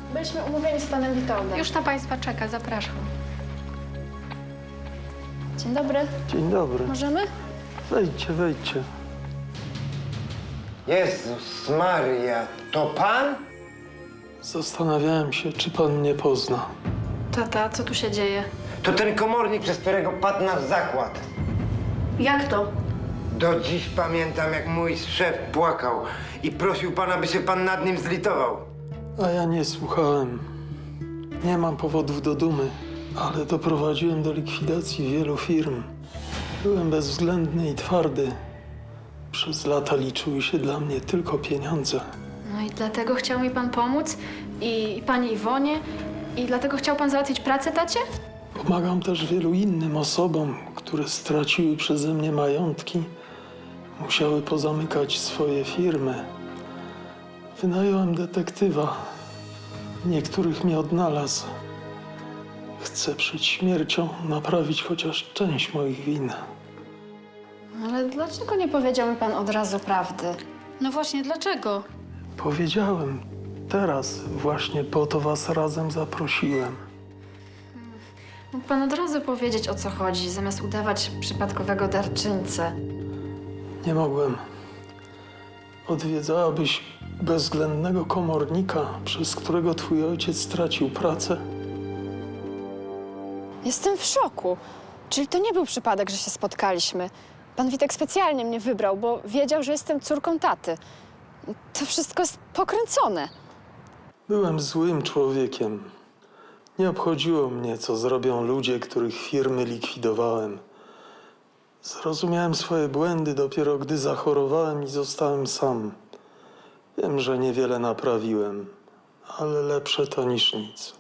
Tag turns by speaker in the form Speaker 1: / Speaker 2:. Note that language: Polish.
Speaker 1: Byliśmy umówieni z panem Witoldem.
Speaker 2: Już na państwa czeka, zapraszam.
Speaker 1: Dzień dobry.
Speaker 3: Dzień dobry.
Speaker 1: Możemy?
Speaker 3: Wejdźcie, wejdźcie.
Speaker 4: Jezus Maria, to pan?
Speaker 3: Zastanawiałem się, czy pan mnie pozna.
Speaker 1: Tata, co tu się dzieje?
Speaker 4: To ten komornik, przez którego padł nasz zakład.
Speaker 1: Jak to?
Speaker 4: Do dziś pamiętam, jak mój szef płakał i prosił pana, by się pan nad nim zlitował.
Speaker 3: A ja nie słuchałem. Nie mam powodów do dumy, ale doprowadziłem do likwidacji wielu firm. Byłem bezwzględny i twardy. Przez lata liczyły się dla mnie tylko pieniądze.
Speaker 1: No i dlatego chciał mi pan pomóc i pani Iwonie i dlatego chciał pan załatwić pracę tacie?
Speaker 3: Pomagam też wielu innym osobom, które straciły przeze mnie majątki. Musiały pozamykać swoje firmy. Wynająłem detektywa. Niektórych mnie odnalazł. Chcę przed śmiercią naprawić chociaż część moich win.
Speaker 1: Ale dlaczego nie powiedział mi pan od razu prawdy?
Speaker 2: No właśnie, dlaczego?
Speaker 3: Powiedziałem. Teraz właśnie po to was razem zaprosiłem.
Speaker 1: Mógł pan od razu powiedzieć, o co chodzi, zamiast udawać przypadkowego darczyńcę.
Speaker 3: Nie mogłem. Odwiedzałabyś bezwzględnego komornika, przez którego twój ojciec stracił pracę?
Speaker 1: Jestem w szoku. Czyli to nie był przypadek, że się spotkaliśmy. Pan Witek specjalnie mnie wybrał, bo wiedział, że jestem córką taty. To wszystko jest pokręcone.
Speaker 3: Byłem złym człowiekiem. Nie obchodziło mnie, co zrobią ludzie, których firmy likwidowałem. Zrozumiałem swoje błędy dopiero gdy zachorowałem i zostałem sam. Wiem, że niewiele naprawiłem, ale lepsze to niż nic.